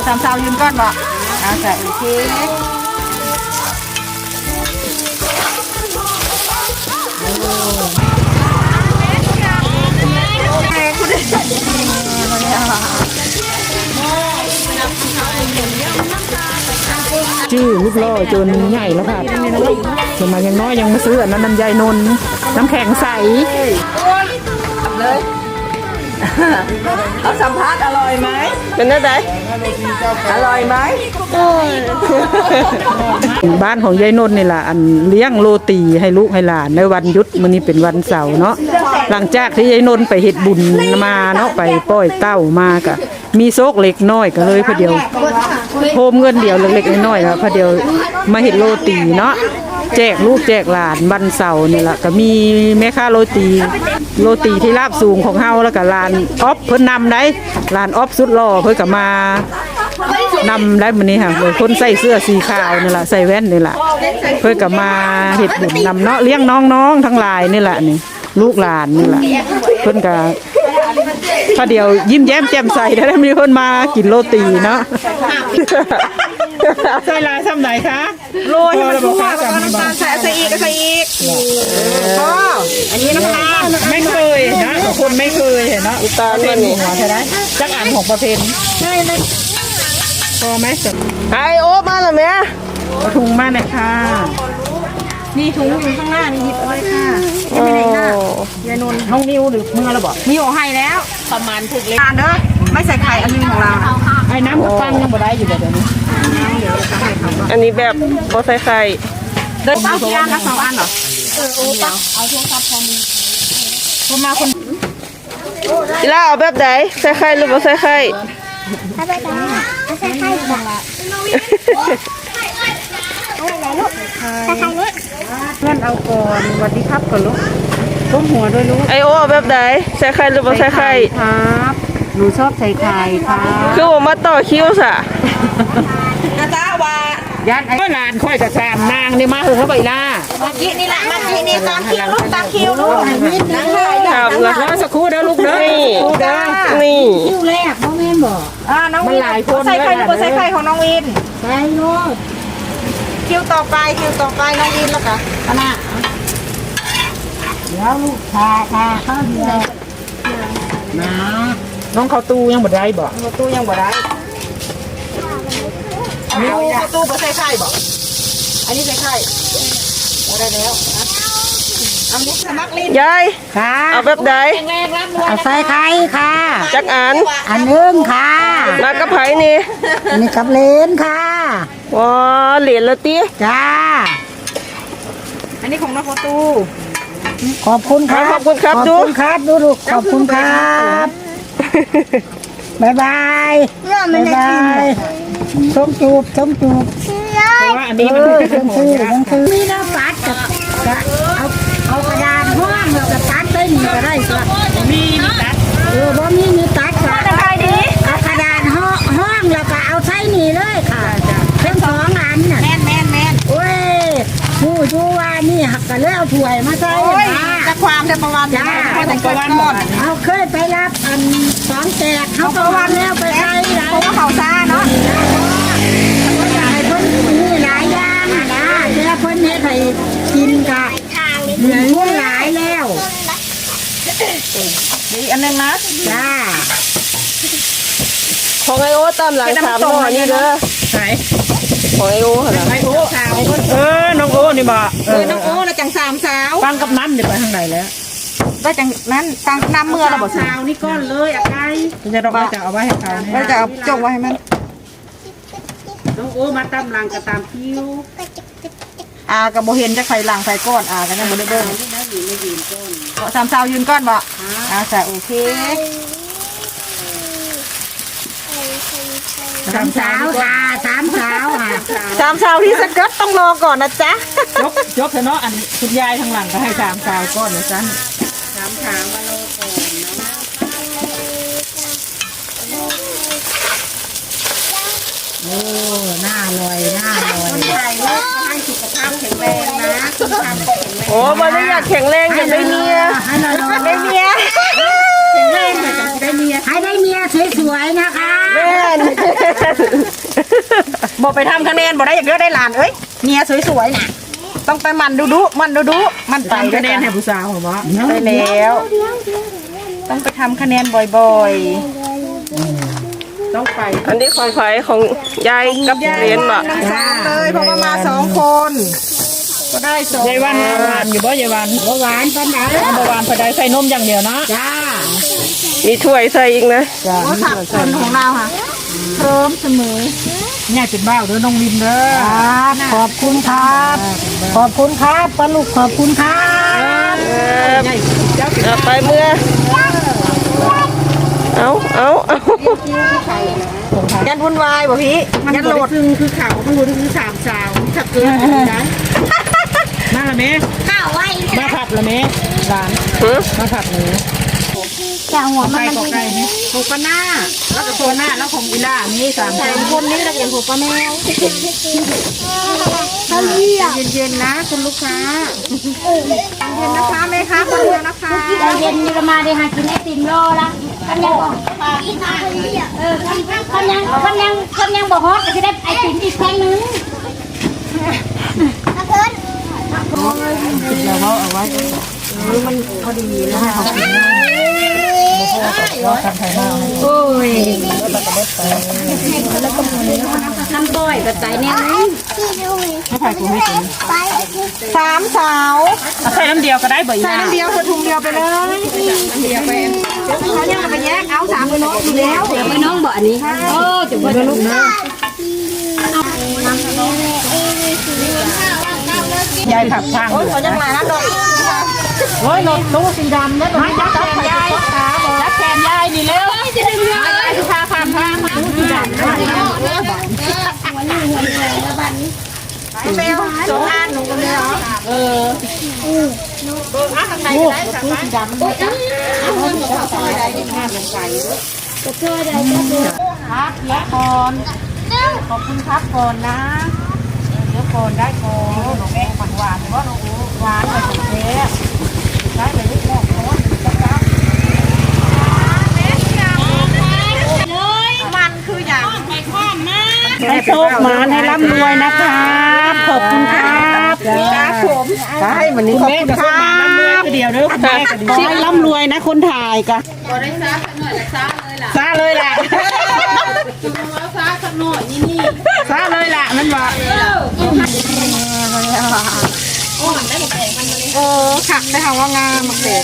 ามสาวยืนก้อนบ่เอาใส่โอเคชื่อลูกล่อจนใหญ่แล้วค่ะสมัยยังน้อยยังมาซื้ออันนั้นน้ำยายนนน้ำแข็งใสเลยเอาสัมภาษณ์อร่อยไหมเป็นได้ไหมอร่อยไหมบ้านของยายนนนี่แหละอันเลี้ยงโรตีให้ลูกให้หลานในวันหยุดมื้อนี้เป็นวันเสาร์เนาะหลังจากที่ยายนนไปเฮ็ดบุญมาเนาะไปปล่อยเต้ามากะมีโซกเล็กน้อยก็เลยพอเดียวโฮมเงินเดียวเล็กๆน้อยๆครับพอเดียวมาเฮ็ดโรตีเนาะแจกลูกแจกหลานวันเสาร์นี่แหละก็มีแม่ค้าโรตีที่ราบสูงของเฮาแล้วก็ร้านออฟเพิ่นนำได้ร้านออฟสุดหล่อเพิ่นก็มานำได้มื้อนี้ค่ะคนใส่เสื้อสีขาวนี่แหละใส่แว่นนี่แหละเพิ่นก็มาเฮ็ดบุญนำเนาะเลี้ยงน้องๆทั้งหลายนี่แหละนี่ลูกหลานนี่แหละเพิ่นก็พอเดียวยิ้มแย้มแจ่มใสได้มีคนมากินโรตีเนาะใส่ลายซ้ำไหนคะโรยให้มันทั่วแล้วก็น้ำตาลใส่อีกพ่ออันนี้น้ำตาลไม่เคยนะคนไม่เคยเห็นเนาะอุตาเป็นหัวใช่ไหมจักอันของประเพณีใช่เลยพอไหมสักไอโอ๊มาแล้วแม่ถุงมาหน่อยค่ะนี่ถุงอยู่ข้างหน้านี่หยิบเอาเลยค่ะยังไม่ได้หน้ายายนนท์ห้องนิ้วหรือมือเราบอกนิ้วให้แล้วประมาณถึงเลยเด้อไม่ใส่ไข่อันนึงของเราไอ้น้ำกับปั้นยังบ่ได้อยู่เดี๋ยวนี้อันนี้แบบบ่ใส่ไข่เดินเอากี่อันนะ2 อันเหรอโอ้ปะเอาโทรศัพท์พอมีคนมาคนอีล่าเอาแบบไหนใส่ไข่หรือบ่ใส่ไข่ใส่ไข่ใส่ไข่บ่ละเพื่อนเอาก่อนสวัสดีครับก่อนลูกก้มหัวด้วยลูกไอโอแบบไหนใส่ไข่หรือไม่ใส่ไข่ครับหนูชอบใส่ไข่ครับคือผมมาต่อคิวสะนะจ๊ะว่ายันไอ้หลานค่อยกับแซมนางนี่มาถึงเขาไปล่ามากี้นี่แหละมากี้นี่ตามคิวลูกตามคิวลูกครับแล้วสักครู่เด้อลูกเด้อนี่คิวแรกน้องวินบอกน้องวินใส่ไข่หรือใส่ไข่ของน้องวินใส่ลูกคิวต่อไปน้องยินแล้วค่ะอันน่ะเดี๋ยวลูกค่ะข้าวเดียวนะน้องเข้าตู้ยังบ่ได้บ่เข้าตู้ยังบ่ได้เข้าตู้บ่ใส่ไข่บ่อันนี้ใส่ไข่บ่ได้แล้วเอาดิสมัครลิ้นยายค่ะเอาแบบใดเอาใส่ไข่ค่ะจักอันนึงค่ะแล้วกับไผ่นี่กับเลนค่ะว้าเหรียญละตีจ้าอันนี้ของน้องโฟตูขอบคุณครับขอบคุณครับดูลูกขอบคุณครับบ๊ายบายส้มจูบเพราะว่าอันนี้มันคือมีน้ำปัดกับเอากระดานห้องแล้วก็ตัดได้หนีก็ได้ก็มีตัดบ่มีตัดก็เอากระดานห้องแล้วก็เอาใช้หนีเลยค่ะเป็น2 อันน่ะแม่นโอ้ยผู้ชูว่านี่หักกันแล้วถ้วยมาใส่จะความจะประวันจ้าเอาเคยไปรับอัน2 แจกเขาประวันแล้วไปใส่เพราะว่าเขาซ่าเนาะมีหลายอย่างนะเดี๋ยวเพิ่นให้ไปกินกะเหนื่อยมุ่งหลายแล้วดีอันนึงนะจ้าของไอโอตามหลัง3 หน่อนี่เด้อไหนของไอโอเหรอไอโอน้องโอนี่บ่น้องโอแล้วจัง3 สาวฟังกับน้ำเดี๋ยวไปทางไหนแล้วได้จังนั้นฟังน้ำเมื่อเราบอกสาวนี่ก้อนเลยอะไก่จะเราจะเอาไว้ให้เขาเราจะเอาจงไว้ให้มันน้องโอมาตามหลังกับตามคิวกับโบเห็นจะใครหลังใครก้อนกันยังโบได้เบิ้ง3 สาวยืนก้อนบ่ใส่โอเค3 สาวค่ะ3 สาวค่ะ3 สาวที่สกัดต้องรอก่อนนะจ๊ะยกเถอะเนาะอันคุณยายทางหลังก็ให้3 สาวก้อนนะจ๊ะ3 สาวมารอก่อนโอ้หน้าลอยคนไทยลูกให้สุขภาพแข็งแรงนะโอ้มาได้อยากแข็งแรงอยากได้เมียได้เมียแข็งแรงอยากได้เมียให้ได้เมียสวยๆนะคะแม่บอกไปทำคะแนนบอกได้อย่างเดียวได้หลานเอ้ยเมียสวยๆน่ะต้องไปมันดูมันไปคะแนนให้ผู้สาวเหรอวะไปแล้วต้องไปทำคะแนนบ่อยๆต้องไปอันนี้ของไผของยายกับเรียนบ่ทั้งสามเลยเพราะว่ามา2 คน ก็ได้2 ยายวันหวานอยู่บ่ยายวันบ่หวานปานไหนบ่หวานปานใดใส่นมอย่างเดียวนะจ้ามีถ้วยใส่อีกนะโอ้ผักคนของเราค่ะพร้อมเสมอง่ายเป็นบ้าเด้อน้องวินเด้อขอบคุณครับขอบคุณครับปลาลูกขอบคุณครับเอาไปเมื่อเอายันวุ่นวายบ่พี่ยันโหลดซึ่งคือข่าวมันรู้คือสามสาวถ้าเกินนะมาละแม่ข้าวไว้มาผัดละแม่หลานมาผัดหมูจะหัวมันไก่กับไก่นี่หกปหน้าแล้วก็ตัวหน้าแล้วของอีล่ามี3 คนนี้เราเห็นหกปแมวเขาเรียกเย็นๆนะคุณลูกค้าเย็นนะคะแม่ค้าคนเดียวนะคะใจเย็นนี่ก็มาได้หากินไอติมโลละกันยังบอกกันยังบอกฮอตก็จะได้ไอติมอีกแท่งนึงโอ้ยน้ำก้อยกับไตเนี่ย 3 สาวใส่น้ำเดียวก็ได้บ่อีใส่ล่าน้ำเดียวถุงเดียวไปเลยเดียวไปเขายังไปแยกเอา3มือน้องอยู่แล้วเดี๋ยวไปน้องบ่อันนี้โอ้จะไปลูกนะยายผักทางโอ้ยเขายังหลายน้ำดอกโอ้ยรถตู้สีดำแล้วมาจับแขนยายจับแขนยายนี่เร็วจะดึงยายพาข้ามทางมาสีดำแมว2 อันหนูก็เลยเหรอครับและก่อนขอบคุณครับก่อนนะเดี๋ยวก่อนได้ก่อนหนูหวานหรือว่าหนูหวานไปถึงเทปได้ไปลูกแรกเพราะว่าจะกลับมันคืออย่างให้โชคมาให้ร่ำรวยนะครับขอบคุณครับครับผมใช่วันนี้ขอบคุณครัน้ำเลือบ ดเดียวเด้อคุณแม่ก็ดีขอให้ร่ำรวยนะคนถ่ายกะซาเลยล่ะซาเลยล่ะมันว่าขักได้ค่ะว่างามมากเลย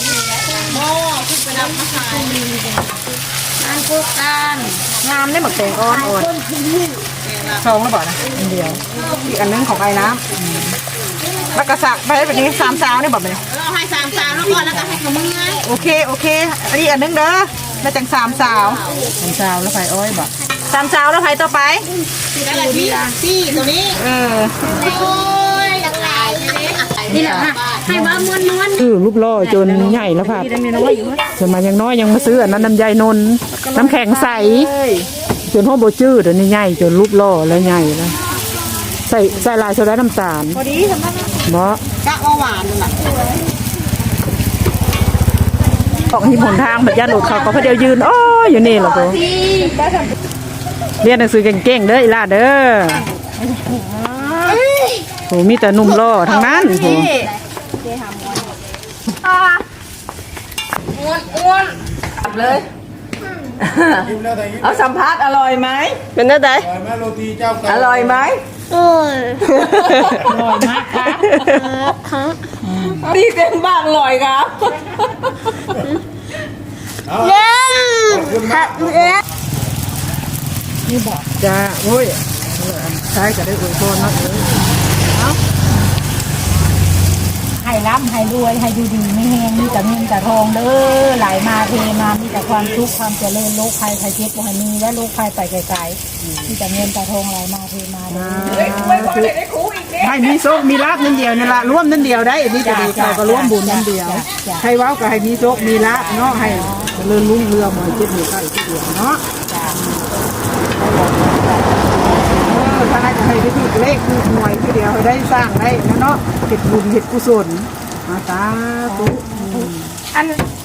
งามได้หมดเต็งอ่อนชงแล้วบอกนะอันเดียวอีกอันนึงของไอ้น้ำแล้วก็สักไปแบบนี้3 สาวนี่บอกไปเลยเราให้3 สาวแล้วก่อนแล้วก็ให้กับมึงไงโอเคอันนี้อันนึงเด้อแล้วจัง3 สาวสาวแล้วไฟอ้อยบ่ 3 สาวแล้วใครต่อไปอะไรพี่ตัวนี้ โอ้ยหลากหลายเลยนี่แหละให้ว่าม้วนคือลูกล่อจนใหญ่แล้วค่ะจนมายังน้อยยังมาซื้ออันนั้นน้ำใยนนน้ำแข็งใสจนห้องโบจื้อเดี๋ยวนี้ใหญ่จนลูกล่อแล้วใหญ่แล้วใส่ลายโซดาน้ำตาลพอดีทำได้บ่กะว่าหวานนั่นแหละออกที่หนทางแบบย่านหลุดเขาก็พอเดียวยืนอ้ออยู่นี่แหละโบเรียนหนังสือเก่งๆเด้ออีลาเด้อโหมีแต่หนุ่มล่อทั้งนั้นโหเลยเอาสัมภาษณ์อร่อยไหมเป็นได้ไดอร่อยไหมโอ้ยอร่อยมากค่ะพี่เป็นบ้างอร่อยครับจ้าโอ้ยใช้ก็ได้อวยพรเนาะให้ร่ำให้รวยให้ดูดีไม่แห้งมีแต่เงินแต่ทองเด้อไหลมาเทมามีแต่ความสุขความเจริญโรคภัยไข้เจ็บบ่ให้มีและโรคภัยไปไกลๆมีแต่เงินแต่ทองไหลมาเทมาเด้อให้มีโชคมีลาภนั่นเดียวนี่ละร่วมนั่นเดียวได้อันนี้จะดีใครก็ร่วมบุญนั่นเดียวใครเว้าก็ให้มีโชคมีลาภเนาะให้เจริญรุ่งเรืองมาเจ็บหัวใกล้เจ็บหัวเนาะถ้าจะให้ได้ที่เลขคือหน่วยทีเดียวให้ได้สร้างได้เนาะเฮ็ดบุญเฮ็ดกุศลมาตาตุอัน